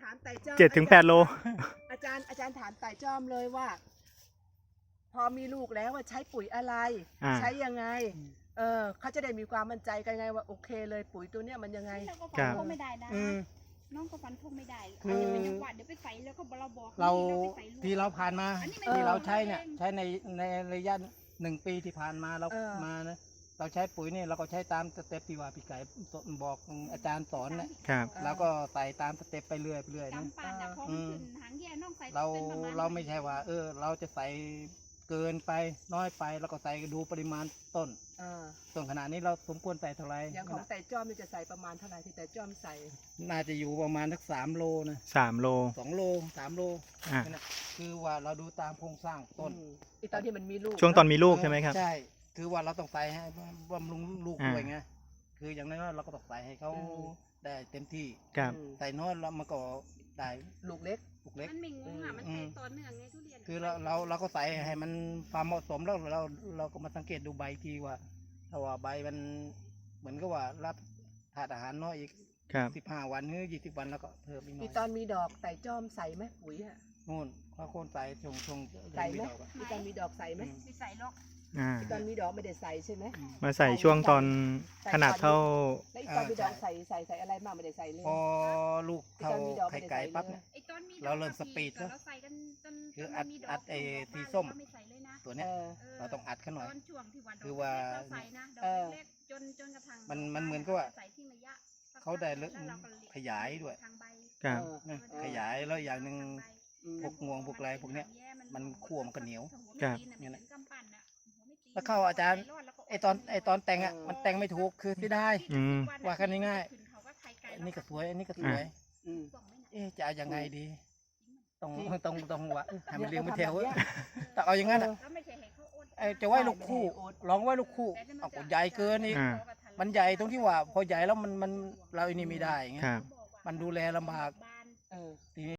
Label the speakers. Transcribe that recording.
Speaker 1: ามไต่จ้อม
Speaker 2: 7 ถึง 8 โล
Speaker 1: อาจารย์ถามไต่จ้อมเลยว่า พอมีลูกแล้วว่าใช้ปุ๋ยอะไร ใช้ยังไงเขาจะได้มีความมั่นใจกันไงว่าโอเคเลยปุ๋ยตัวเนี้ยมันยังไง
Speaker 3: เราก็ฟันธงไม่ได้นะน้องก็ฟันธงไม่ได้อาจจะเป็นจังหวะเดี๋ยวไปใส่แล้วก็เราบอก
Speaker 4: เรา
Speaker 3: ไปใส่ลูก
Speaker 4: ที่เราผ่านมา
Speaker 3: อันนี้ไม่
Speaker 4: ที่เรา
Speaker 3: ได้
Speaker 4: ใช้เนี่ยใช้ในระยะ1 ปีที่ผ่านมาเรามานะเราใช้ปุ๋ยเนี่ยเราก็ใช้ตามสเต็ปที่ว่าพี่ไก่บอกอาจารย์สอนนะครับ แล้วก็ใส่ตามสเต็ปไปเรื่อยนะ
Speaker 3: จำปาดพอมันขึ้นหางแย่น้องใส่
Speaker 4: เราไม่ใช่ว่าเราจะใส่เกินไปน้อยไปแล้วก็ใส่ดูปริมาณต้นขนาดนี้เราสมควรใส่เท่าไหร่
Speaker 1: อย่างของไต่จ้อมนี่จะใส่ประมาณเท่าไหร่ที่ไต่จ้อมใส่
Speaker 4: น่าจะอยู่ประมาณสัก3 โลนะ
Speaker 2: 3 โล
Speaker 4: 2 โล 3 โล
Speaker 2: อ่ะ
Speaker 4: นั่นน่ะคือว่าเราดูตามโครงสร้างต้น
Speaker 1: อีตอนที่มันมีลูก
Speaker 2: ช่วงตอนมีลูกใช่ไหมครับ
Speaker 4: ใช่คือว่าเราต้องใส่ให้บำรุงลูกด้วยไงคืออย่างน้อยๆเราก็ต้องใส่ให้เขาได้เต็มที่
Speaker 2: ครับ
Speaker 4: ใส่น้อยแล้วมันก็ได้
Speaker 1: ลูกเล็ก
Speaker 4: ลูกเล็ก
Speaker 3: มันไม่งงอ่ะมันเป็นต่อเนื่องไงทุเรียน
Speaker 4: คือเราก็ใส่ให้มันความเหมาะสมแล้วเราก็มาสังเกตดูใบทีว่าถ้าว่าใบมันเหมือนกับว่ารับธาตุอาหารน้อยอีก
Speaker 2: ครับ
Speaker 4: 15 วันหรือ20 วันแล้วก็เพิ่มอีกหน่
Speaker 1: อี
Speaker 4: อย
Speaker 1: ตอนมีดอกไต่จ้อมใส่ไหมปุ๋ยอะ
Speaker 4: นู่นเขาโค่นใส่ชง
Speaker 1: ใส่ไหม
Speaker 4: ดอกอะ
Speaker 1: อีตอนมีดอกใส่ไหม
Speaker 3: ไม่ใส่หรอก
Speaker 1: อีตอนมีดอกไม่ได้ใส่ใช่ไหม
Speaker 2: มาใส่ช่วงตอนขนาดเท่า
Speaker 1: แล้วอีตอนมีดอกใส่อะไรบ้างไม่ได้ใส่เลย
Speaker 4: พอลูกเท่าไข่ไก่ปั๊บเนี่ย
Speaker 3: ไอ้ตอนมี
Speaker 4: เราเริ่มสปีดแล้ว
Speaker 3: เราใส่กันจน
Speaker 4: คือ
Speaker 3: มันมีด
Speaker 4: อั
Speaker 3: อก
Speaker 4: ดไอ้ที่ส้ม
Speaker 3: ไม่ใส่เลยนะ
Speaker 4: ตัวเนี้ยเราต้องอัดเขาหน่อย
Speaker 3: ตอนช่วงที่ว่าดอก
Speaker 4: คือว่า
Speaker 3: เล็กๆเราใส่นะดอกเล็กๆจนกระทั่ง
Speaker 4: มันเหมือนกับว่า
Speaker 3: ใส่ทิ้งระยะ
Speaker 4: เขาได้
Speaker 3: แล้วเราก็
Speaker 4: ขยายด้วย
Speaker 3: ทางใบ
Speaker 2: ครับ
Speaker 4: นะขยายแล้วอย่างหนึ่ง พวกงวงพวกอะไรพวกเนี้ยมันคั่วมันก็เหนียว
Speaker 2: ครับ
Speaker 4: เนี่ยนะแล้วเข้าอาจารย์ไอตอนแต่งอ่ะมันแต่งไม่ถูกคือที่ได้ ว่ากันง่ายๆ อันนี้ก็สวยอันนี้ก็สวย
Speaker 1: อืม
Speaker 4: จะเอายังไงดีต้องว่าให้มันเรียงไม่แถวแต่เอาอย่างนั้นอ่ะจะไว้ลูกคู่ลองไว้ลูกคู่เอาก็ใหญ่เกินอีก
Speaker 2: อ่า
Speaker 4: มันใหญ่ตรงที่ว่าพอใหญ่แล้วมันเราอันนี้ไม่ได้ไง
Speaker 2: ครับ
Speaker 4: มันดูแลลำบาก
Speaker 1: เออ
Speaker 4: ทีนี้